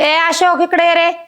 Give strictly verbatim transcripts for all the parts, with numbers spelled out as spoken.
ए अशोक इकडे ये रे.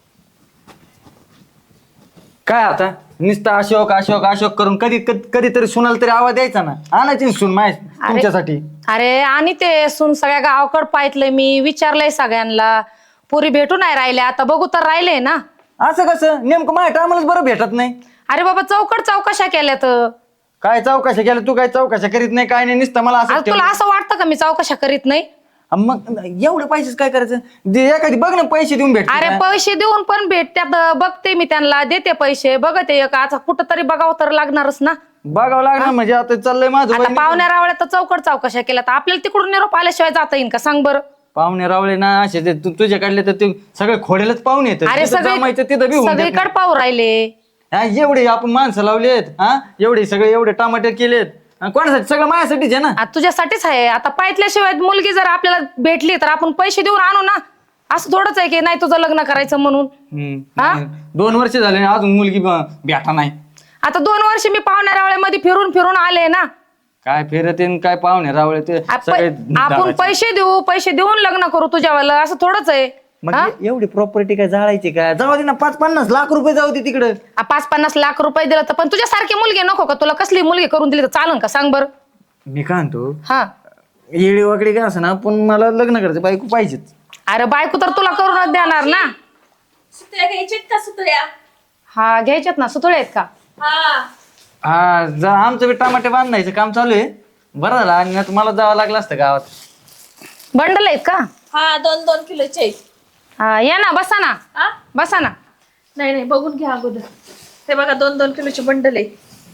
काय आता नुसतं अशोक अशोक अशोक करून कधी कधी कधीतरी सुनाला तरी आवाज द्यायचा ना. आणायची सून माय तुमच्यासाठी. अरे आणि ते सुन सगळ्या गावाकड पाहितलंय मी, विचारलंय सगळ्यांना, पुरी भेटू नाही राहिले, आता बघू तर राहिले ना. असं कसं नेमकं माझ्या टायमालाच बरं भेटत नाही. अरे बाबा चौकड चौकशा केल्यात. काय चौकशा केल्या तू? काय चौकशा करीत नाही काय नाही नुसतं मला आज असं तुला असं वाटतं का मी चौकशा करीत नाही? मग एवढे पैसेच काय करायचं? दे एखादी बघ ना पैसे देऊन भेट. अरे पैसे देऊन पण भेटत्यात, बघते मी त्यांना, देते पैसे, बघते एक आज कुठं तरी बघावं तर लागणारच ना. बघावं लागणार म्हणजे आता चाललंय माझं. आता पाहुण्या रावळ्या तर चौकड चौकशा केल्या, तर आपल्याला तिकडून निरोप आल्याशिवाय जाता येईल का सांग बरं? पाहुणे रावळे ना असे ते तू तुझ्या काढले तर ते सगळे खोड्यालाच पाहुणे येतात. अरे जमायचं तिथं बी होऊन जात नाही. सगळीकडे पाहू राहिले. हा, एवढे आपण माणसं लावलेत, हा एवढे सगळे एवढे टमाटे केलेत, हा, कोणासाठी? सगळं माझ्यासाठीच आहे ना. आता तुझ्यासाठीच आहे. आता पाहितल्याशिवाय मुलगी जर आपल्याला भेटली तर आपण पैसे देऊन आणू ना. असं थोडंच आहे की नाही तुझं लग्न करायचं म्हणून. हम्म. हा? दोन वर्ष झाले ना, अजून मुलगी ब- भेटा नाही. आता दोन वर्ष मी पाहुण्या रावळ्यामध्ये फिरून फिरून आले ना. काय फिरत आहे न काय पाहुणे रावळे ते आप- सगळे आपण दादाचे. पैसे देऊ, पैसे देऊन लग्न करू तुझ्यावाला, असं थोडंच आहे. मग ए- एवढी प्रॉपर्टी काय जाळायची काय? जाऊ दे ना, पाच पन्नास लाख रुपये जाऊ दे तिकडे. आ, पाच पन्नास लाख रुपये दिलं तर पण तुझ्यासारखी मुलगी नको का? तुला कसली मुलगी करून दिली तर चालन का सांग बरं? मी काय म्हणतो, हा येडी वाकडी काय असं ना, पण मला लग्न करायचं, बायको पाहिजेच. अरे बायको तर तुला करूनच देणार ना. सुतळ्या घ्यायच्यात का सुतळ्या? हा घ्यायच्यात ना. सुतळे आहेत का? हा हा जा, आमचं बी टमाटे बांधायचं काम चालू आहे. बरं झालं आणि नाही तर मला जावं लागलं असतं गावात. बंडल आहेत का? हा दोन दोन किलोचे आहेत. हा या ना, बसा ना, हा बसा ना. नाही नाही बघून घ्या अगोदर. हे बघा दोन दोन किलोचे बंडल आहे.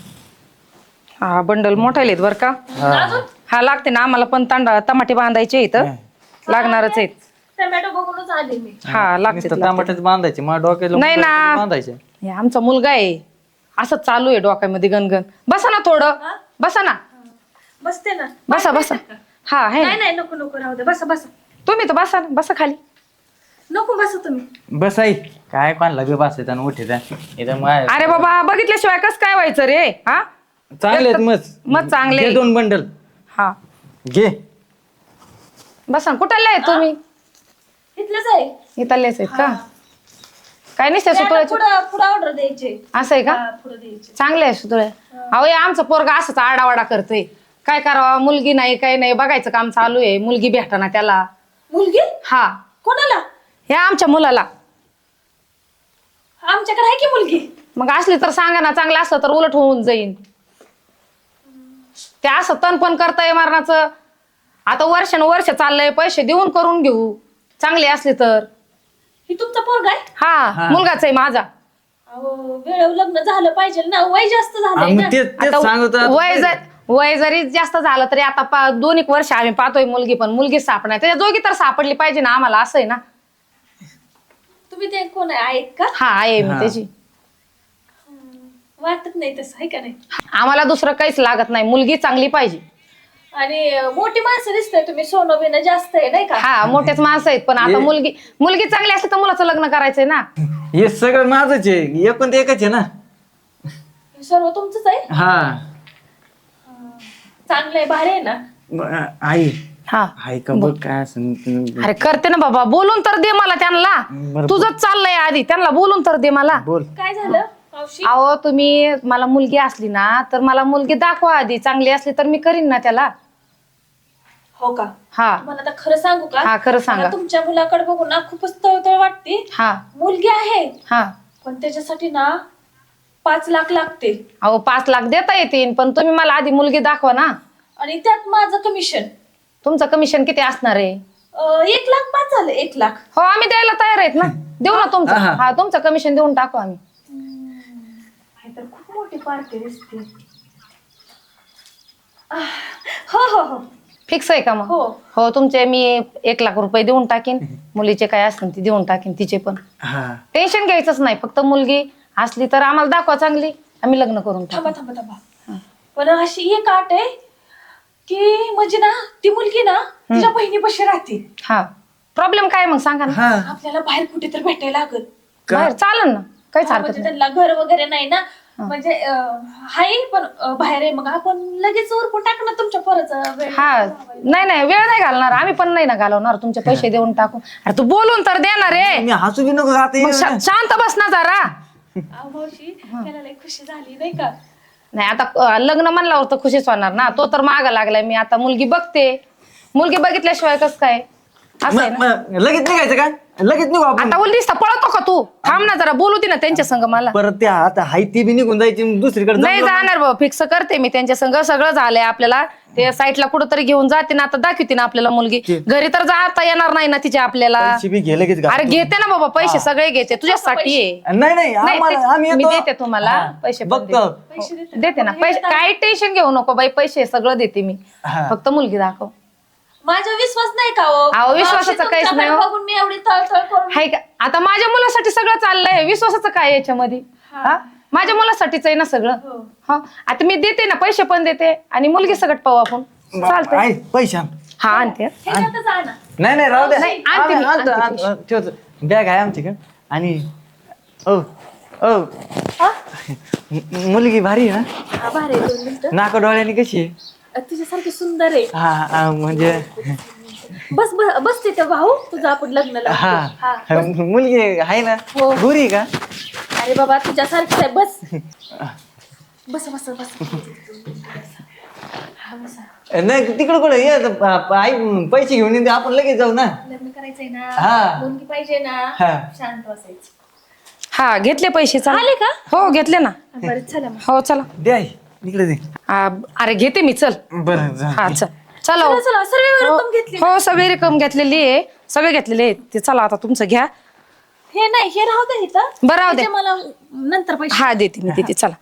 हा बंडल मोठाले आहेत बरं का. अजून हा लागते ना आम्हाला पण तांडा टमाटे बांधायचे इथं लागणारच आहेत. टमॅटो बघूनच आले मी. हा लागते नुसतं टमाटेच बांधायचे, मला डोक्याला नाही ना. बांधायचे. हे आमचा मुलगा आहे, असं चालू आहे डोक्यामध्ये गणगण. बसा ना थोडं, हा? बसा ना, बसते ना. बसा बसा. हा आहे नाही ना. नाही नको नको राहू दे. बसा बसा. तुम्ही तर बसा ना, बसा खाली. नको बसा तुम्ही. बस आई काय कोणाला बी बसायचं आणि उठायचं इथं माय. अरे बाबा बघितल्याशिवाय कस काय व्हायचं रे? हा चांगले आहेत मस्त. मग चांगले. घे दोन बंडल हा घे. बसा ना. कुठले आहे तुम्ही? इथलंच आहे. इथलेच आहेत का? काय नाही सुतुळ्याचे पुढं पुढं ऑर्डर द्यायचे. असं आहे का? हा, पुढं द्यायचे. चांगले आहे सुतुळे. अहो हे आमचं पोरगा असंच आडावाडा करतोय. काय करावं, मुलगी नाही काही नाही, बघायचं काम चालू आहे. मुलगी भेटना त्याला. मुलगी हा कोणाला? हे आमच्या मुलाला. आमच्याकडे आहे की मुलगी. मग असली तर सांगा ना, चांगलं असलं तर उलट होऊन जाईन. ते असं तण पण करताय मरणाचं. आता वर्षानुवर्ष चाललंय, पैसे देऊन करून घेऊ, चांगली असली तर. ही तुमचा पोरगा आहे? हा हा. मुलगाच आहे माझा. अहो वेळेवर लग्न झालं पाहिजे ना. वय जास्त झालंय आम्ही ना. तेच तेच आता सांगत होतो. वय जर वय जरी जास्त झालं तरी आता पा- दोन एक वर्ष आम्ही पाहतोय मुलगी, पण मुलगी सापडणार. त्याच्या दोघी तर सापडली पाहिजे ना आम्हाला, असं आहे ना. तुम्ही ते कोण आहे आहेत का? हा आहे मी हा. त्याची. वाटत नाही तसं आहे का नाही? आम्हाला दुसरं काहीच लागत नाही, मुलगी चांगली पाहिजे. आणि अं, मोठी माणसं दिसतंय तुम्ही. सोनं बिनं जास्त आहे नाही का? हा मोठेच माणसं आहेत, पण आता ये- मुलगी मुलगी चांगली असली तर मुलाचं लग्न करायचंय ना. हे सगळं माझंच आहे, एकूण ते एकच आहे ना. हे सर्व तुमचंच आहे. हा चांगलं आहे, भारी आहे ना. ब- आई हा आई का बघ काय असं. अरे करते ना बाबा, बोलून तर दे मला त्यांना. बरं. तुझंच चाललंय आधी, त्यांना बोलून तर दे मला. बोल. काय झालं मावशी? अहो तुम्ही मला मुलगी असली ना तर मला मुलगी दाखवा आधी. चांगली असली तर मी करीन ना त्याला. हो का? हा तुम्हाला आता खरं सांगू का? हा खरं सांगा. मला तुमच्या मुलाकडे बघून ना खूपच तळतळ वाटते. हा मुलगी आहे हा पण त्याच्यासाठी ना पाच लाख लागते. अहो पाच लाख देता येतील, पण तुम्ही मला आधी मुलगी दाखवा ना. आणि त्यात माझं कमिशन तुमचं कमिशन किती असणार आहे? एक लाख पाच झालं. एक लाख हो आम्ही द्यायला तयार आहेत ना. देऊ ना तुमचं. हा. हा तुमचं कमिशन देऊन टाकू आम्ही. हे तर खूप मोठी पार्टी दिसते. आह, हो हो हो फिक्स आहे का मग? हो. हो तुमचे मी एक लाख रुपये देऊन टाकीन. मुलीचे काय असतील ते देऊन टाकीन, तिचे पण. हा टेन्शन घ्यायचंच नाही, फक्त मुलगी असली तर आम्हाला दाखवा चांगली, आम्ही लग्न करून टाकू. थांबा थांबा थांबा. पण अशी एक आट आहे की म्हणजे ना ती मुलगी ना तिच्या बहिणीपाशी राहते. हा प्रॉब्लेम काय मग सांगा ना. हा आपल्याला बाहेर कुठेतरी भेटायला लागल. का? बाहेर चालन ना, काहीच हा, हरकत म्हणजे नाही. त्यांना घर वगैरे नाही ना. म्हणजे अं, हाय पण अं, बाहेर आहे, मग आपण लगेच उरकून टाकू ना तुमच्या पोराचा वेळ. हा नाही नाही वेळ नाही घालणार आम्ही पण नाही ना घालवणार तुमचे पैसे देऊन टाकू. अरे तू बोलून तर देणार रे. मी हसू बी नको आता मग शा- शांत बस ना जरा. अहो, मावशी त्याला लई खुशी झाली नाही का? नाही आता अं, लग्न म्हणल्यावर तर खुशीच होणार ना. तो तर मागा लागलाय. मी आता मुलगी बघते. मुलगी बघितल्याशिवाय कसं काय असं आहे मग- ना. मग लगेच निघायचं का? लगेच निघू आपण. आता उलटीस पळतो का तू? थांब ना जरा बोलू दे ना त्यांच्या संग मला. परत त्या आता हाय ती बी निघून जायची दुसरीकडे नाही जमलं. जाणार बाबा फिक्स करते मी त्यांच्या संग सगळं झालंय आपल्याला. ते साईटला कुठंतरी घेऊन जाते ना आता दाखवते ना आपल्याला मुलगी. घरी तर जाता येणार नाही ना तिच्या आपल्याला. पैसे बी घे लगेच अरे घेते ना बाबा पैसे सगळे घेते तुझ्यासाठी आहे. नाही नाही नाही, आम्हाला- ते- आम्ही मी येतो. देते तुम्हाला हा. पैसे पण बघतो पैसे देते. देते ना पैसे काही टेन्शन घेऊ नको बाई पैसे सगळं देते मी. हा. फक्त मुलगी दाखव. माझा विश्वास नाही का हो? अहो, विश्वासाचं मावशी, काहीच नाही हो. तुमच्याकडे बघून मी एवढी तळतळ करून हाय का आता माझ्या मुलासाठी सगळं चाललंय विश्वासाचं काय आहे याच्यामध्ये हा माझ्या मुलासाठीच आहे ना सगळं. हो. हा आता मी देते ना पैसे पण देते आणि मुलगी सगळं पाहू आपण चालतंय. आहे, पैसे आण. हा आणते. हे जातं जा ना. नाही नाही राहू द्या नाही, आणते मी, आणतो, आणते आणतो, ठेवतो बॅग आहे आमच्याकडे आणि ओ ओ हा? मु- मुलगी भारी आहे ना हा, भारी आहे, दोन मिनिटं. नाका डोळ्याने कशी आहे अ, तुझ्यासारखी सुंदर आहे. हा हा, म्हणजे बस बस बस तिथे भाऊ तुझं आपण लग्न लावतो. हा हा. मुलगी आहे ना हो. गोरी आहे का अरे बाबा तुझ्यासारखीच आहे बस बस बस बस हा, बस. नाही तिकडे कुठे ये आता, प- प- आई पैसे घेऊन येते आपण लगेच जाऊ ना लग्न करायचंय ना हा. मुलगी पाहिजे ना हा. शांत बसायचं. हा घेतले पैसे चाल आले का? हो घेतले ना. बरं चला मग. हो चला. दे आई इकडे दे आ, अरे घेते मी चल. बरं जा. हा चल चला हो. चला चला सर्व रक्कम घेतली. हो सगळी रक्कम घेतलेली आहे सगळे घेतलेले आहे ते चला आता तुमचं घ्या. हे नाही हे राहू दे इथं. बरं राहू दे. त्याचे मला नंतर पैसे. हा देते मी देते चला.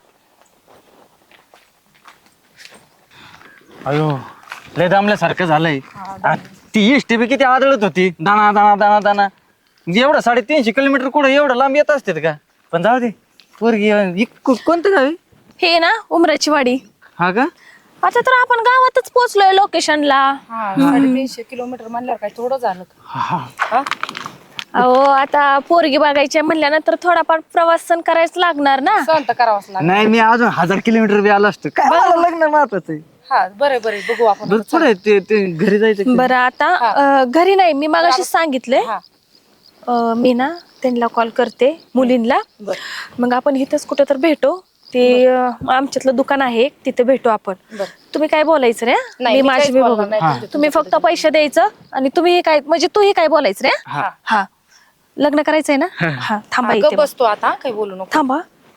अयो लय दामल्यासारखं झालंय आ, ती एसटी बी किती आदळत होती दाना दाना दाना दाना एवढं साडेतीनशे किलोमीटर कुठं एवढं लांब येत असते का पण जाऊ दे पोरगी इ- को- कोणतं गाव आहे? हे ना उमराची वाडी. हा का आता तर आपण गावातच पोहोचलोय लोकेशनला. साडेतीनशे किलोमीटर म्हणल्यावर काय थोडं झालं का? हा. हा? अहो आता पोरगी बघायची म्हटल्यानंतर थोडाफार प्रवास सण करायच लागणार ना. सहन तर करावंच लागेल. नाही मी अजून हजार किलोमीटर बी आलो असतो काय मला लग्न महत्वाचं आहे हा बरं बरं बघू आपण. बरं पुढे ते ते घरी जायचं बरं आता अं, घरी नाही मी मागाशी सांगितलंय. हा. अं, मी ना त्यांना कॉल करते मुलींना. मग आपण इथंच कुठं तर भेटू. ते अं, आमच्यातलं दुकान आहे एक, तिथे भेटू आपण. तुम्ही काय बोलायचं रे? नाही, मी मी माझी काहीच मी बोलणार बघू. नाही, तुमचं तुम्ही फक्त पैसे द्यायचं आणि तुम्ही काय म्हणजे तूही काय बोलायचं रे? हा. हा लग्न करायचंय ना? हा थांबा हा, इथे गप्प बसतो आता काही बोलू नको. थांबा.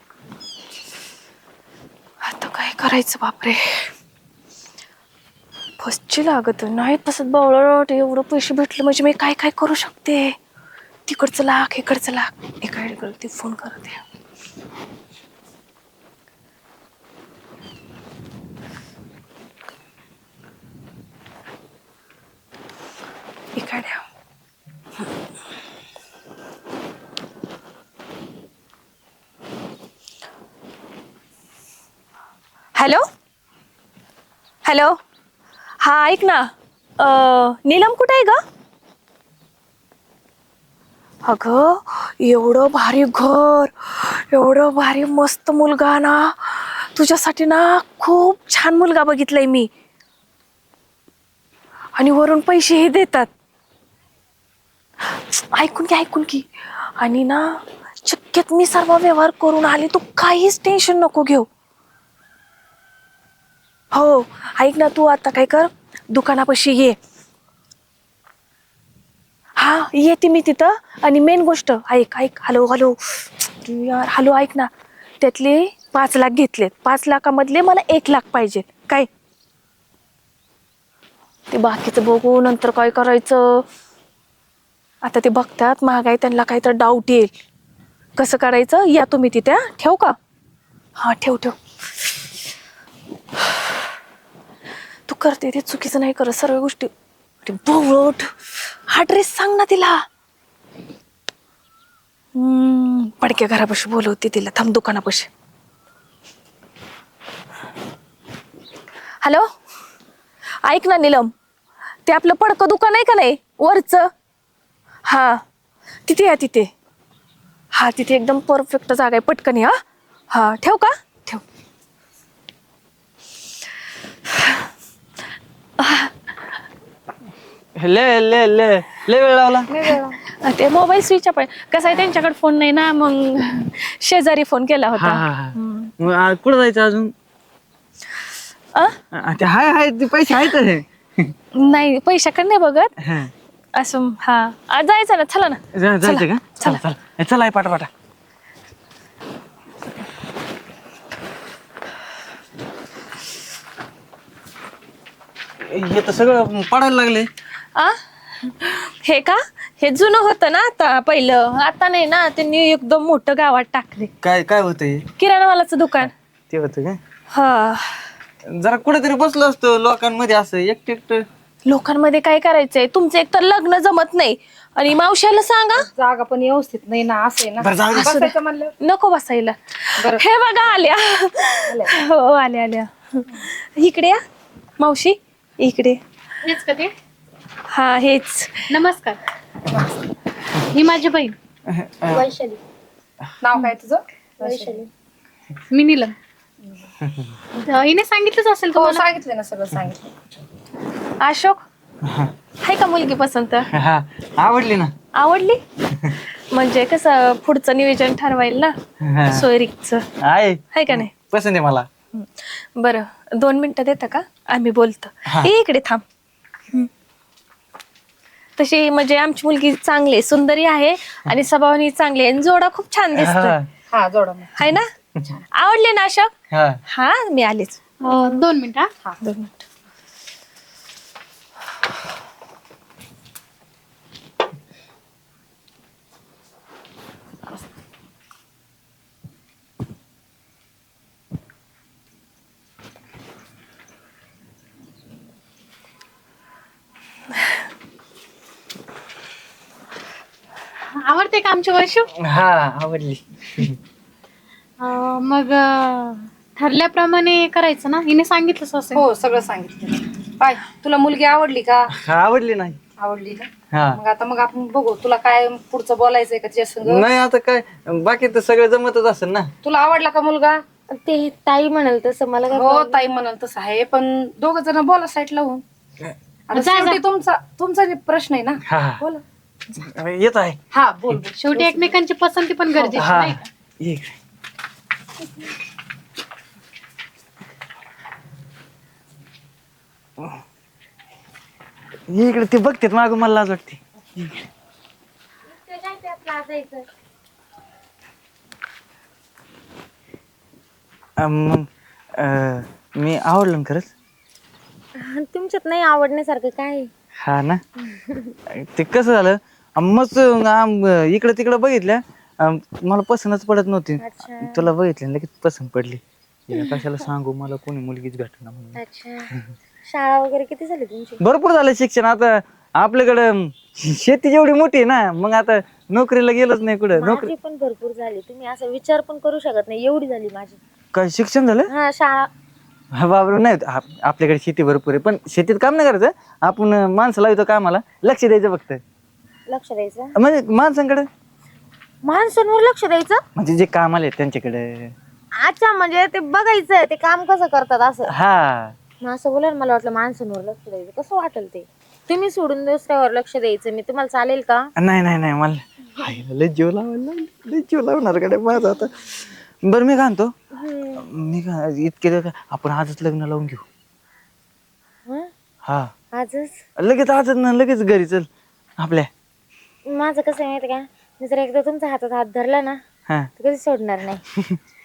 आता काय करायचं बापरे. फसची लागत नाही तसंच बावळट एवढं पैसे भेटले म्हणजे मी काय काय करू शकते. तिकडचं लाख इकडचं लाख एका करते फोन करते. इकडे हॅलो हॅलो हा ऐक ना अं, नीलम कुठे आहे ग? अगं एवढं भारी घर एवढं भारी मस्त मुलगा ना तुझ्यासाठी ना खूप छान मुलगा बघितलाय मी आणि वरून पैसेही देतात. ऐकून की ऐकून की आणि ना शक्यत मी सर्व व्यवहार करून आले तू काहीच टेन्शन नको घेऊ. हो ऐक ना तू आता काय कर दुकानापाशी ये. हा येते मी तिथं आणि मेन गोष्ट ऐक ऐक हॅलो हॅलो यार हॅलो ऐक ना त्यातले पाच लाख घेतलेत पाच लाखामधले मला एक लाख पाहिजे काय ते बाकीचं बघू नंतर काय करायचं. आता ते बघतात महागाई त्यांना काहीतरी डाऊट येईल कसं करायचं या तुम्ही तिथे ठेव का हा ठेव ठेव. तू करते ते चुकीचं नाही करत सर्व गोष्टी. बोट हा ड्रेस सांग ना तिला. हम्म पडक्या घरापाशी बोलवते तिला थांब दुकानापाशी. हॅलो ऐक ना नीलम ते आपलं पडकं दुकान आहे का नाही वरचं हा तिथे या तिथे हा तिथे एकदम परफेक्ट जागा आहे पटकन या हा ठेव का. ले ले ले ले वेळ लावला. ते मोबाईल स्विच ऑफ आहे. कसं आहे त्यांच्याकडे फोन नाही ना, मग शेजारी फोन केला हा होता. हा हा मग आ, कुठं जायचं अजून? अ? आ, ते हाय हाय ते पैसे आहेत रे. नाही पैशाकडे नाही बघत हा. असं. हा आ, जायचं ना, चला ना. जा- जायचं का? चला चला ए, चला आहे पाटा पाटा. हे तर सगळं पडायला लागले. आ हे का? हे जुनं होतं ना आता पहिलं, आता नाही ना, त्यांनी एकदम मोठं गावात टाकले. काय काय होतं हे? किराणामालाचं दुकान. ते होतं का? हा. जरा कुठेतरी बसलो असतो लोकांमध्ये असं एकटे एकटं. लोकांमध्ये काय करायचंय? तुमचं एक तर लग्न जमत नाही आणि मावशाला सांगा. जागा पण व्यवस्थित नाही ना, असं आहे ना. बरं, जाऊ दे. बसायचं म्हणलं. नको बसायला. बरं. हे बघा आल्या. हो आल्या आल्या. इकडे या मावशी, इकडे. हेच का ते? हा हेच. नमस्कार, ही माझी बहीण वैशाली. नाव काय तुझं? वैशाली. मी नीलम. हिने सांगितलंच असेल हो तुम्हाला. सांगितलं ना, सगळं सांगितलं. अशोक आहे का मुलगी पसंत? हा आवडली ना. आवडली? म्हणजे कसं पुढचं नियोजन ठरवायला हा. ना, सोयरीकचं आहे आहे का नाही? पसंत आहे मला. बरं दोन मिनिटं देता का? आम्ही बोलतो. हा. ये इकडे थांब. हम्म. तशी म्हणजे आमची मुलगी चांगली आहे, सुंदरी आहे आणि स्वभावाने चांगली आहे आणि जोडा खूप छान दिसतो. हा. हा जोडा मग. आहे ना? आवडले ना अशोक? हा. हा मी आलेच. अं, दोन मिनिट हा. हा दोन मिनिट. आवडते का आमची वैशू? हा आवडली. अं, मग अं, ठरल्याप्रमाणे करायचं ना, हिने सांगितलंच असेल. हो सगळं सांगितलं. पाय तुला मुलगी आवडली का? हा आवडली नाही. आवडली का? हा मग आता मग आपण बघू, तुला काय पुढचं बोलायचंय का तिच्या संग? नाही आता काय बाकी तर सगळं जमतच असेल ना. तुला आवडला का मुलगा? ते ताई म्हणाल तसं मला काय हो ताई म्हणाल तसं आहे, पण दोघ जण बोला साईड लावून. आता जा, जा. शेवटी तुमचा तुमचा प्रश्न आहे ना. हा हा. बोला. येत आहे. हा बोल बोल. शेवटी एकमेकांची पसंती पण गरजेची हा नाही का? ये इकडे. ये इकडे ते बघतेत माग मला लाज वाटते. अं, मग अं, मी आवडलं ना खरंच. तुमच्यात नाही आवडण्यासारखं काय आहे? हा ना. ते कसं झालं मग इकडे तिकडे बघितल्या अं, मला पसंतच पडत नव्हती. तुला बघितलं लगेच पसंत पडली. हिला कशाला सांगू, मला कोणी मुलगीच भेटणार म्हणून. अच्छा, शाळा वगैरे किती झाली तुमची? भरपूर झालं शिक्षण. आता आपल्याकडं शेती जेवढी मोठी आहे ना, मग आता नोकरीला गेलोच नाही कुठं. नोकरी माझी पण भरपूर झाली. तुम्ही असं विचार पण करू शकत नाही, एवढी झाली माझी. काय शिक्षण झालं? हा शाळा. हा बाबर नाही आप- आपल्याकडे शेती भरपूर आहे, पण शेतीत काम नाही करायचं. आपण माणसं लावतो कामाला, लक्ष द्यायचं फक्त. लक्ष द्यायचं म्हणजे माणसांकडे माणसांवर लक्ष द्यायचं. म्हणजे जे कामाला आहेत त्यांच्याकडे. अच्छा, म्हणजे ते बघायचं ते काम कसं करतात असं. हा मग असं बोला ना, मला वाटलं माणसांवर लक्ष द्यायचं. कसं वाटेल ते? तुम्ही सोडून दुसऱ्यावर लक्ष द्यायचं मी तुम्हाला चालेल का? नाही नाही नाही मला हायला लय जीव लावायला लागला. लय जीव लावणार कडे माझा आता. बरं मी काय म्हणतो, मी काय इतके दिवस आपण आजच लग्न लावून घेऊ. हं? हा आजच? लगेच आजच ना लगेच घरी चल आपल्या. माझं कसं आहे माहिती का, मी जर एकदा तुमच्या हातात हात धरला ना हा तर कधी सोडणार नाही.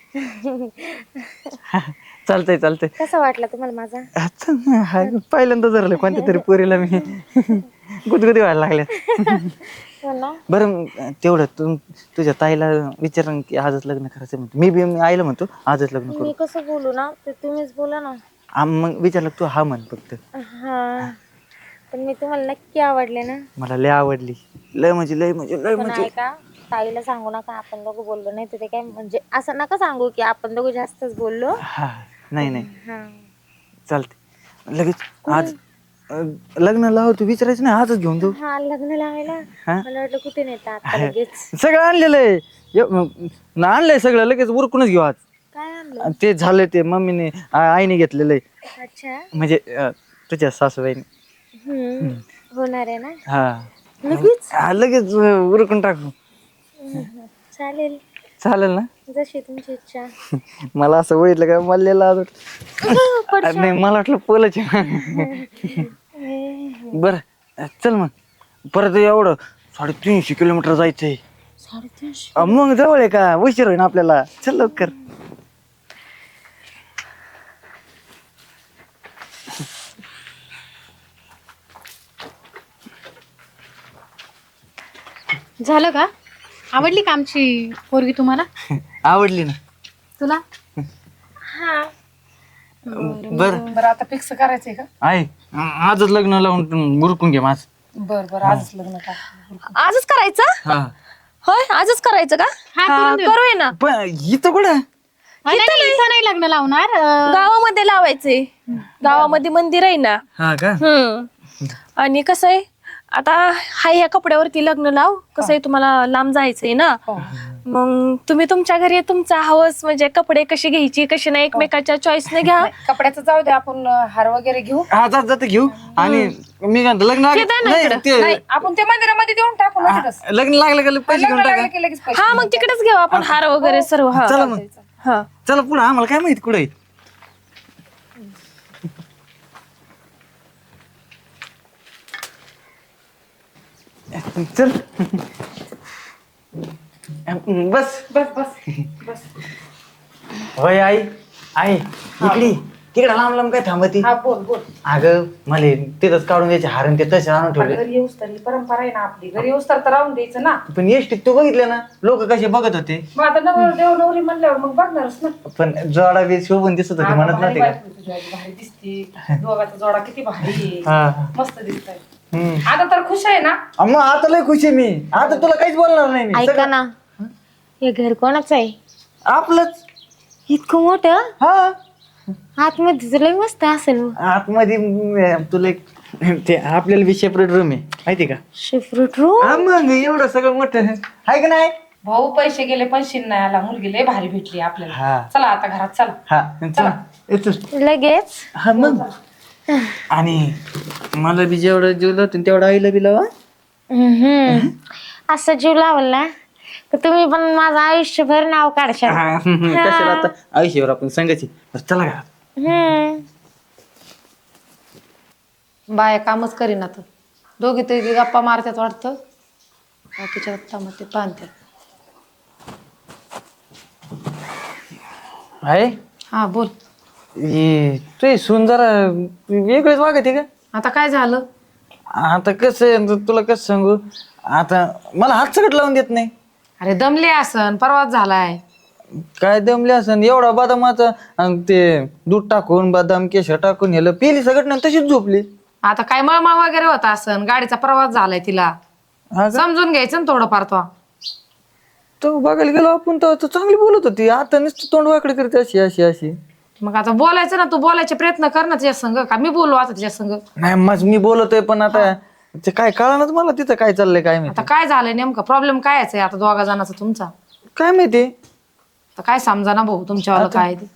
चालतंय चालतंय. कसा वाटला तुम्हाला माझा? आता ना, हाय, पहिल्यांदा धरलं कोणत्या तरी पोरीला मी. गुदगुदी व्हायला लागल्या. हो ना. बरं तेवढं तू तुझ्या ताईला विचार की आजच लग्न करायचं म्हणतो. मी बी मी आईला म्हणतो आजच लग्न करू. मी कसं बोलू ना, ते तुम्हीच बोला ना. आ, मग विचारलं तू हा म्हण फक्त. हा, पण मी तुम्हाला नक्की आवडले ना. मला लय आवडली. लय म्हणजे लय म्हणजे लय पण म्हणजे ऐका, ताईला सांगू नका आपण दोघं बोललो. नाही तर ते काय म्हणजे असं नका सांगू की आपण दोघं जास्तच बोललो. हा नाही नाही हा. चालते. लगेच आज अं, लग्न लाव तू विचारायचं नाही, आजच घेऊन जाऊ. हा लग्न लावायला हा? मला वाटलं कुठे नेता आता लगेच. सगळं आणलेलं आहे. एव- न आणलंय सगळं, लगेच उरकूनच घेऊ आज. काय आणलं? आणि ते झालं ते मम्मीने आ- आईने घेतलेलं आहे. अच्छा. म्हणजे अं, तुझ्या सासूबाईने. हम्म. होणार आहे ना? हा लगेच हा, लगेच अं, उरकून टाकू. चालेल, चालेल ना? जशी तुमची इच्छा. मला असं बघितलं का मला नाही, मला वाटलं पोलच बर. चल मग, परत एवढं साडेतीनशे किलोमीटर जायचंय. साडेतीनशे अं, मग जवळ आहे का? उशीर होईन आपल्याला. चल लवकर. झालं का? आवडली का आमची पोरगी तुम्हाला? आवडली ना तुला? बर. बरं आता फिक्स करायचंय का? आहे, आजच लग्न लावून उरकून घे माझ. बर बर आजच लग्न का? आजच करायचं? हा होय, आजच करायचं का? हा, हा, करून देऊ. करूया ना. पण इथं कुठं? अं, नाही इथं नाही लग्न लावणार. अं, गावामध्ये लावायचंय. गावामध्ये मंदिर आहे ना. हा का? हम्म. आणि कसं आहे, आता हाय ह्या कपड्यावरती लग्न लाव. कसं आहे, तुम्हाला लांब जायचंय ना. मग तुम्ही तुमच्या घरी तुमचा हवस म्हणजे कपडे कशी घ्यायची कशी नाही एकमेकाच्या चॉईसने घ्या. कपड्याचं जाऊ दे, आपण हार वगैरे घेऊ. हा, जात जात घेऊ. आणि मी काय म्हणतो, लग्न ते द्या ना नाही, इकडं. ते- नाही आपण ते मंदिरामध्ये देऊन टाकू ना तिथंच. लग्न लागलं का पैसे घेऊन लग्न टाका. लागलं की लगेच पैसे. हा, मग तिकडेच घेऊ आपण हार वगैरे सर्व. हा चला मग, हा. चला पुढे. आम्हाला काय माहित कुठे चल. बस बस बस बस. होय आई. आई इकडे तिकडे लांब लांब काय थांबती? हा बोल बोल. अगं मला तिथंच काढून द्यायचे हारण ते तसे आणून ठेवले. घरी येऊस तर ही परंपरा आहे ना आपली. घरी येऊस तर तर राहून द्यायचं ना. पण एसटीत तू बघितलं ना लोक कसे बघत होते. मग आता नवर देव नवरी म्हणल्यावर मग बघणारच ना. पण जोडा बी शोभून दिसत होते, हा, म्हणत भारी नव्हते का? बायको तुझी आई, भारी दिसते. दोघाचा जोडा किती भारी आहे. हा. मस्त दिसतंय. हम्म. आता तर खुश आहे ना. मग आता लय खुश आहे मी. आता तुला काहीच बोलणार नाही मी. ऐका सगळं- ना, हे घर कोणाचं आहे? आपलंच. इतकं मोठं हा, आतमध्ये लय मस्त असेल. आतमध्ये म- तुला एक ते आपल्याला बी सेपरेट रूम आहे माहिती का? शिफ्रूट रूम. हा, मग एवढं सगळं मोठं आहे का नाही? भाऊ पैसे गेले पण शिन नाही आला. मुलगी लय भारी भेटली आपल्याला. हा. चला आता घरात चला. हा, चला येतो. लगेच हा मग. आणि मला बी जेवढं जेवलं होतं तेवढं आईला बी लावा. हम्म. असं जीव लावल ना तर तुम्ही पण माझं आयुष्यभर नाव काढशाल. हा, हम्म, कशाला आता आयुष्यावर आपण सांगायची. बरं, चला घरात. हम्म. बाया कामच करीना तर. दोघी तरी गप्पा मारतात वाटतं. बाकीच्या गप्पा मग ते पाहतात. आहे हा बोल. हे तू सुंदर वेगळीच वागते का? आता काय झालं? आता कसं आहे, तुला कसं सांगू, आता मला हात सकट लावून देत नाही. अरे दमले असन, परवाच झालाय. काय दमले असं एवढा बदामाचा अन ते दूध टाकून बदाम केशर टाकून नेलं पिली सगळं नाही तशीच झोपली. आता काय मळमळ वगैरे होता असन, गाडीचा प्रवास झालाय तिला. हा का? समजून घ्यायचं ना थोडंफार तो. तो बघायला गेलो आपण तर तो चांगली बोलत होती. आता नुसतं तोंड वाकडे करते अशी अशी अशी. मग आता बोलायचं ना, तू बोलायचे प्रयत्न कर ना तिच्या संग. का मी बोलू आता तिच्या संग? नाही मग मी बोलतोय पण आता ते काय कळणार मला तिथं काय चाललंय काय आता माहिती. काय झालंय नेमका प्रॉब्लेम काय आहे आता दोघा जणांचा तुमचा? काय माहिती. तर काय समजा ना भाऊ तुमच्यावाला काय ते.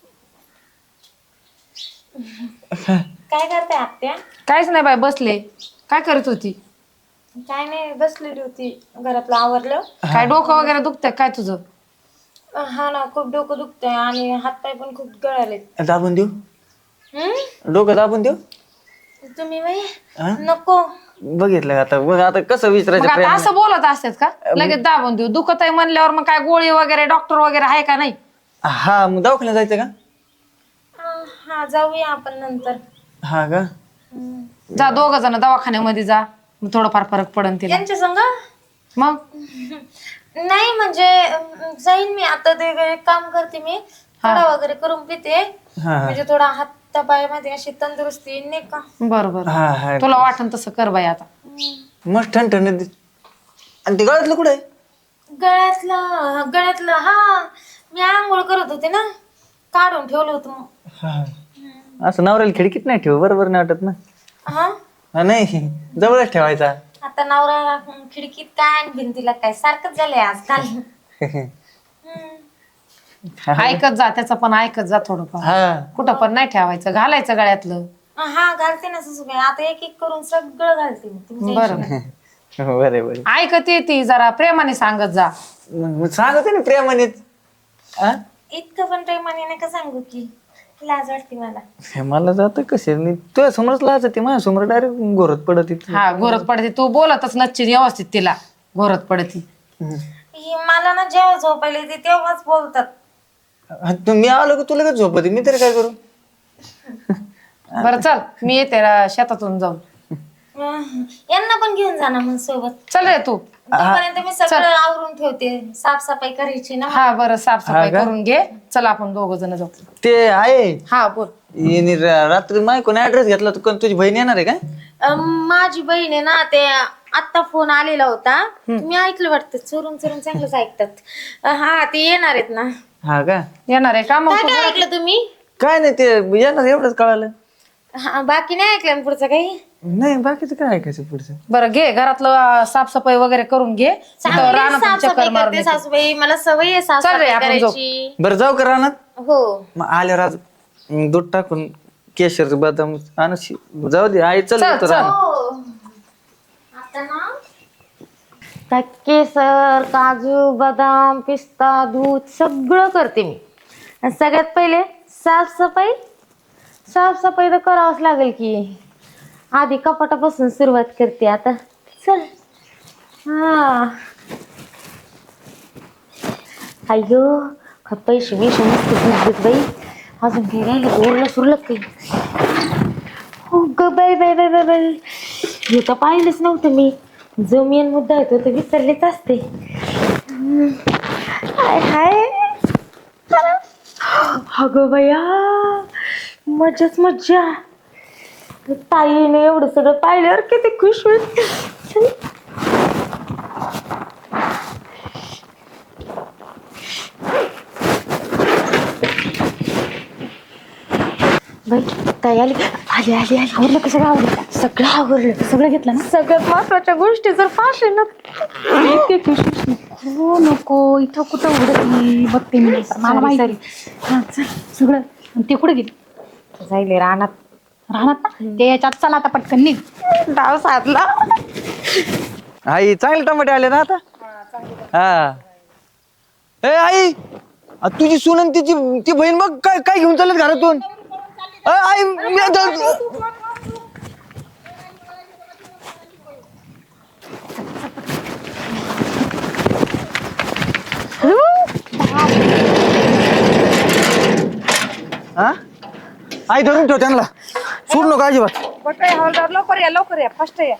काय करते आत्या? काहीच नाही बाय, बसले. काय करत होती? काय नाही, बसलेली होती. घरातलं आवरलं. काय डोकं वगैरे दुखतंय काय तुझं? हा ना, खूप डोकं दुखतंय आणि हातपाय पण खूप गळाले. दाबून देऊ डोकं दाबून देऊ. तुम्ही बाई हा? नको. बघितलं आता बघ आता कसं मग विचारायचं आता प्रेम. असं बोलत असतात का लगेच दाबून देऊ? दुखत आहे म्हणल्यावर मग काय गोळी वगैरे डॉक्टर वगैरे आहे का नाही? हा मग दवाखान्यात जायचं का? अं, हा जाऊया आपण नंतर. हा का? जा दोघ जण दवाखान्यामध्ये जा, मग थोडंफार फरक पडन तिला. यांच्या संग मग नाही म्हणजे अं, जाईन मी आता. ते एक काम करते मी, थोडा वगैरे करून पिते हा म्हणजे थोडा हातापायामध्ये अशी तंदुरुस्ती येईल नाही का. बरोबर हा हा तुला वाटन तसं कर बाई आता. मस्त ठणठण आणि ते गळ्यातलं कुठे आहे? गळ्यातलं गळ्यातलं हा मी आंघोळ करत होते ना, काढून ठेवलं होतं मग. हा. असं नवऱ्याला खिडकीत नाही ठेव, बरोबर नाही वाटत ना. हा हा, नाही जवळच ठेवायचा. आता नवरा खिडकीत काय आणि भिंतीला काय सारखंच झालंय आजकाल. ऐकत जा, त्याचं पण ऐकत जा थोडंफार. हा कुठं पण नाही ठेवायचं, घालायचं गळ्यातलं. हा घालते ना सासूबाई, आता एक एक करून सगळं घालते मी तुमच्या बरं हिशोबाने. बरे बरे ऐकते ती जरा प्रेमाने सांगत जा. सांगते ना प्रेमानेच. आ? इतकं पण प्रेमाने नका सांगू की लाज वाटते मला. हे मला जात कसे तुझ्या समोरच लाज ते माझ्या समोर डायरेक्ट घोरत पडत इथं. हा घोरत पडते, तू बोलतच नच्ची व्यवस्थित तिला घोरत पडती. ही मला ना जेव्हा झोपायला येते तेव्हाच बोलतात. हा, तू- मी आलो की तुला काय झोपते, मी तरी काय करू. बरं चल मी येते रा- शेतातून जाऊन. अं, यांना पण घेऊन जा ना मग सोबत. चल रे तू. तोपर्यंत मी सगळं आवरून ठेवते, साफसफाई करायची ना. हा बरं साफसफाई हा का? करून घे. चल आपण दोघ जण जाऊ. ते आहे हा बोल. हिने रा- रात्री माय कोणी ऍड्रेस घेतला तू कोण तुझी बहीण येणार आहे काय? अं, माझी बहीण आहे ना, ते आत्ता फोन आलेला होता, मी ऐकलं वाटतं. चोरून चोरून चांगलंच ऐकतात. अं, हा ते येणार आहेत ना. हा का? येणार आहे का मग? काय काय ऐकलं तुम्ही? काय नाही ते येणार एवढंच कळालं. हा, बाकी नाही ऐकलं ना पुढचं काही? नाही बाकीचं काय ऐकायचं पुढचं. बरं घे घरातलं अं, साफसफाई वगैरे करून घे. तिथं चांगली रानातून चक्कर साफसफाई मारून करते येते. सासूबाई, मला सवय आहे चल रे, साफसफाई आपण जाऊ. करायची. बरं जाऊ का रानात? हो मग आल्यावर आज अं, दूध टाकून केशर बदाम आणू शि- जाऊ दे आई चल चल, येतो चल. रानात. हो. आता ना काय केसर, काजू, बदाम, पिस्ता, दूध सगळं करते मी. आणि सगळ्यात पहिले साफसफाई. साफसफाई तर करावंच लागेल की. आधी कपाटापासून सुरुवात करते आता. चल. हा अय्यो का पैसे बिशे नसते बुजबुज बाई. अजून काही राहिलं बोलणं सुरलं काही. हो ग बाई बाई बाई बाई बाई, हे तर पाहिलंच नव्हतं मी. जो मेन मुद्दा आहे तो तर विसरलेच असते. हम्म. हाय हाय अगं बया, मजाच मज्जा. ताईने एवढं सगळं पाहिल्यावर किती खुश होईल. बाई ताई आली आली आली आली. आवरलं का सगळं? आवडलं सगळं आवरलं. सगळं घेतलं ना? सगळ्यात महत्वाच्या गोष्टी जर पाचशे ना इतके खुश. हो नको, इथं कुठं उडत बघते मी नंतर. मला माहिती. हा चल सगळं. आणि ते कुठे गेले? जाईल रानात. राहणार ना ते याच्यात. चला आता पटकन निघ. डाव साधला. आई चांगले टमाटे आले ना आता. हा ए आई, आ, तुझी सून आणि तिची ती बहीण बघ काय काय घेऊन चालत घरातून. अ, आई मी आता- हा? आई धरून ठेव त्यांना, सोड नको अजिबात. हवालदार लवकर या लवकर या फास्ट या.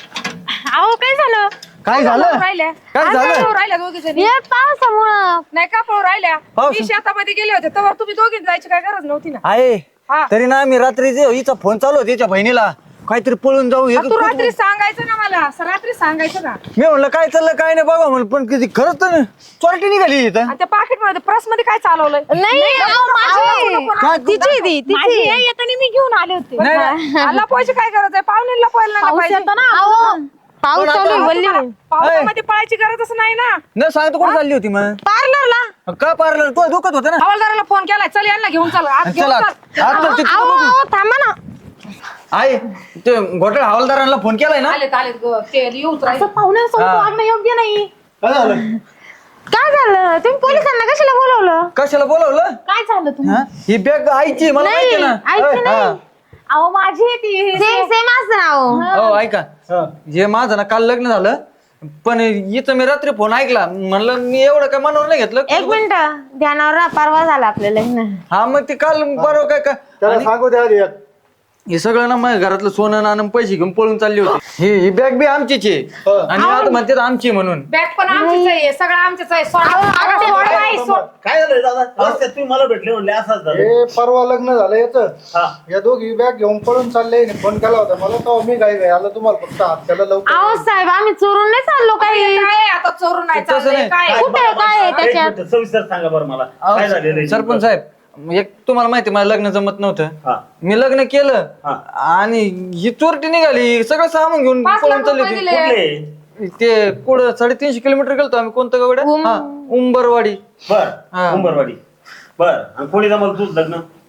अहो काय झालं? काय झालं राहिल्या काय झालं? राहिल्या दोघी जणी. ये पावसामुळं. नाही का पळू राहिल्या. पाऊस- मी शेतामध्ये गेले होते तेव्हा तुम्ही दोघी जायची काय गरज नव्हती ना. आहे हा. तरी ना मी रात्री जे हिचा फोन चालू होता तिच्या बहिणीला काहीतरी पळून जाऊ हे तू रात्री सांगायचं ना मला. असं रात्री सांगायचं ना. मी म्हणलं काय चाललं काय नाही बघा म्हणलं, पण किती खरंच तर चोरटी निघाली इथं. आणि त्या पाकिट मध्ये पर्स मध्ये काय चालवलंय? नाही अहो, माझी. काय- तिची ती तिची. येताना मी घेऊन आले होते. नाही, नाही. आला पोहायची काय गरज आहे? पाहुणीला पोहायला नाही पाहिजे. अहो, पाऊस चालू आहे, वल्ली होईल. पावसामध्ये पळायची गरजच नाही ना. न सांगतो कुठे चालली होती मग? पार्लरला. का पार्लर तो दुखत होतं ना. हवालदाराला फोन केलाय. चल यांना घेऊन चल. आत घेऊन चला चल. आज तर तिथं अहो, बघू. अहो, थांबा ना. आहे ते घोटाळ हवालदारांना फोन केलाय ना. आलेत आलेत ग. ते येऊच राहिले. असं पाहुण्यांसोबत हा. वागणं योग्य नाही. काय झालं? काय झालं? तुम्ही पोलिसांना कशाला बोलवलं? कशाला बोलवलं? काय झालं तुम्ही? हा? ही बॅग आईची आहे, मला नाही, माहिती ना. आईची अ, नाही. हा. अहो माझी आहे ती. सेम सेम असं नाव. हो ऐका हे माझं ना काल लग्न झालं, पण हिचं मी रात्री फोन ऐकला, म्हणलं मी एवढं काय मनावर नाही घेतलं. एक मिनिट ध्यानावर राहा, परवा झाला आपलं लग्न. हा मग ते काल बरोबर काय काय त्याला सांगू द्या आधी. हे सगळं ना माझ्या घरातलं सोनं नाणं पैसे घेऊन पळून चालली होती. ही ही बॅग बी आमचीच आहे आणि आता म्हणते आमची म्हणून. बॅग पण आमचीच आहे. सगळं आमचंच आहे. सोडा. अगं, सोड बाई, सोड. काय झालं दादा? रस्त्यात तुम्ही मला भेटले म्हणले असंच झालं. हे परवा लग्न झालं याचं. हा. या दोघी बॅग घेऊन पळून चालले. फोन केला होता मला तेव्हा मी काय काय आलं तुम्हाला फक्त हात त्याला लवकर. अहो साहेब, आम्ही चोरून नाही चाललो काही. काय आहे? आता चोरून नाही तसं चाललंय. नाही. काय आहे? काय कुठे बरं, काय आहे बरं, त्याच्यात? एक मिनिट, सविस्तर सांगा बरं मला काय झालेलं आहे? सरपंच साहेब, एक तुम्हाला माहिती आहे, मला लग्न जमत हा. नव्हतं. मी लग्न केलं हा. आणि ही चोरटी निघाली, सगळं सामान घेऊन पाच पळून लाख चालली रुपये होती. दिले. कुठले? ते पुढं साडेतीनशे किलोमीटर गेलतो आम्ही. कोणतं गावड्या? हा उंबरवाडी. बर हा. उंबरवाडी. बर आणि कोणी जमलं तुझं लग्न?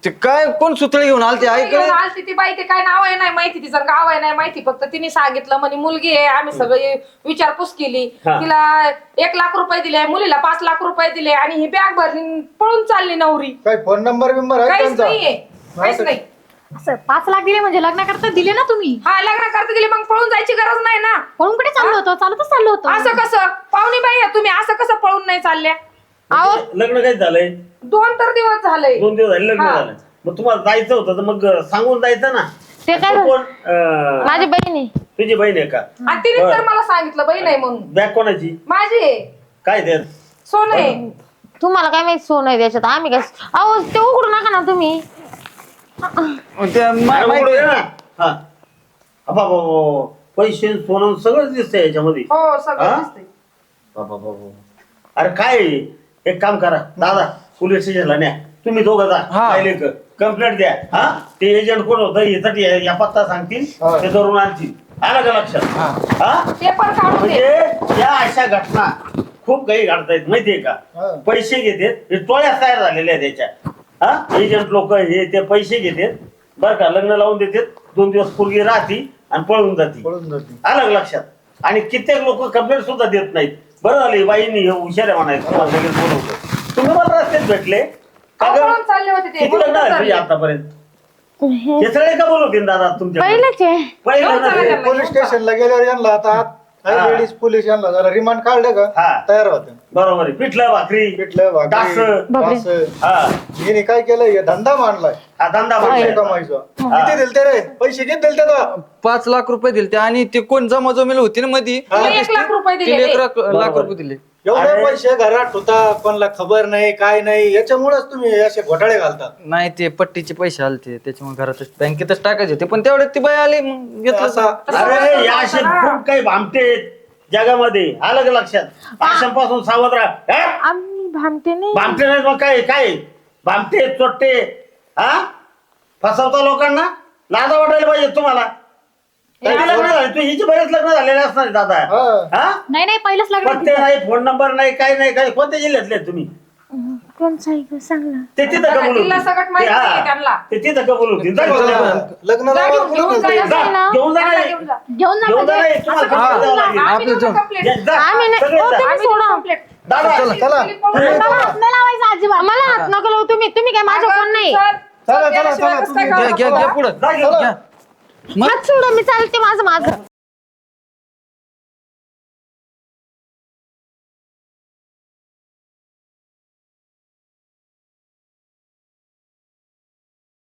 ते काय कोण सुतळे घेऊन आलते घेऊन ऐकलं आलती ती बाई, ते काय नाव आहे नाही माहिती, तिचं गाव आहे नाही माहिती, फक्त तिने सांगितलं म्हणे मुलगी आहे. आम्ही सगळे विचारपूस केली, हा. तिला एक लाख रुपये दिले, मुलीला पाच लाख रुपये दिले आणि ही बॅग भरली पळून चालली नवरी. काय फोन नंबर बिंबर आहे काहीच त्यांचा? नाहीये, काहीच नाही. असं पाच लाख दिले म्हणजे लग्न करता दिले ना तुम्ही? हा लग्न करता दिले, मग पळून जायची गरज नाही ना. पळून कुठे चाललो होतो? चालतच चाललो होतो. असं कसं पाहुणी बाई आहे तुम्ही, असं कसं पळून नाही चालल्या? अहो लग्न काय झालंय? दोन तर दिवस झाले. दोन दिवस झाले लग्न हा. झालं. मग तुम्हाला जायचं होतं तर मग सांगून जायचं ना. ते काय तू कोण? अं, माझी बहिणी तुझी बहीण आहे का? आणि तिने तर मला सांगितलं बाई नाही म्हणून. बॅग कोणाची? माझी आहे, काय ते? सोनं आहे. तुम्हाला काय माहिती सोनं आहे त्याच्यात आम्ही काय अहो ते उघडू नका ना तुम्ही त्या मा- अरे माहिती- उघडू दे ना. हा. अबा, बाबा, बाबा. पैसे सोनं सगळंच दिसतंय याच्यामध्ये. हो हा? सगळं दिसतंय. बाबा, बाबा. अरे काय आहे? एक काम करा दादा, पोलीस स्टेशनला न्या. तुम्ही दोघं जा. हा. कंप्लेंट द्या. हा ते एजंट कोण होतं यासाठी या पत्ता सांगतील, हा. ते धरून आणतील. आलं का लक्षात? हा पेपर काढून दे. म्हणजे या अशा घटना खूप काही घडतायत माहितीये का? हा. पैसे घेतात, हे टोळ्या तयार झालेल्या आहेत त्याच्या. हा एजंट लोक हे ते पैसे घेतात बरं का, लग्न लावून देतात, दोन दिवस पोरगी राहती आणि पळून जाती. पळून जाते. आलं का लक्षात? आणि कित्येक लोक कंप्लेंट सुद्धा देत नाहीत. बरं झालं बाईंनी हे हुशार आहे म्हणायचं, तुम्हाला लगेच बोलवलं. तुम्ही मला रस्त्यात भेटले का अहो, गं? पळून चालले होते ते, किती म्हणून लग्न झाले चालले. तुझे आतापर्यंत? हे सगळे का बोलवते दादा तुमच्या? पहिलेच आहे पहिलं दोन ना चालले ते. त्यांना. पोलीस स्टेशनला गेल्यावर यांना आता हा. लेडीज पोलीस यांना जरा रिमांड काढलं हा. का तयार होते. बरोबर आहे. पिठलं भाकरी पिठलं डास. भाकरी डास. हा हिने काय केलं हे धंदा मांडलाय हा धंदा पैसे भाकरी. कमायचा. किती दिलते रे पैसे किती दिलते तो? पाच लाख रुपये दिले ते आणि ते कोण जमा जमेल होती ना मध्ये तिने एक लाख रुपये तिला दिले. एक लाख लाख बरोबर. रुपये दिले. एवढे अरे. पैसे घरात होता कोणाला खबर नाही काय नाही याच्यामुळेच तुम्ही असे घोटाळे घालता. नाही ते पट्टीचे पैसे आलते त्याच्यामुळे घरातच बँकेतच टाकायचे होते, पण तेवढ्यात ती बाई आली मग घेतलं. असा अरे या असे खूप काही भामटे आहेत जगामध्ये. आलं का लक्षात? अशांपासून सावध राहा. हा? आम्ही भामते नाही भामटे नाहीत मग काय काय भामटे चोट्टे. हा फसवता लोकांना. लाजा वाटायला पाहिजे तुम्हाला. कधी लग्न झाले तू? हिचे बरेच लग्न झालेले असणार आहेत दादा. हा. हा नाही नाही पहिलंच लग्न पत्ते नाही, फोन नंबर नाही, काही नाही. काय कोणत्या जिल्ह्यातले आहेत तुम्ही? कोणचं आहे गं? सांग ना ते तिथं का बोलू? जिल्हा सकट माहिती नाहीये त्यांना. ते तिथं का बोलू? लग्न जा लावायला घेऊन- कुठं घेऊन गेलते? जा. जा, घेऊन जा त्यांना नाही. घेऊन जा. घेऊन जा घेऊन जा म्हणजे. नाही. तुम्हाला असं कंप्लेंट द्यावं लागेल. आम्ही आपलं देऊ जाऊ. complaint. जा, जा. आम्ही नाही- सगळे ओ, जा. तुम्ही आम्ही देऊ सोडा. complaint. दादा चला चला मला हात नाही लावायचा अजिबात. मला हात नका लावू तुम्ही तुम्ही काय माझं कोण नाही चल, चला, चल, चला, गेल्याशिवाय चला, कसं काय तुम्ही घ्या कळणार घ्या तुला? घ्या पुढं जा घेऊन. घ्या. हात सोडा मी चालते माझं माझं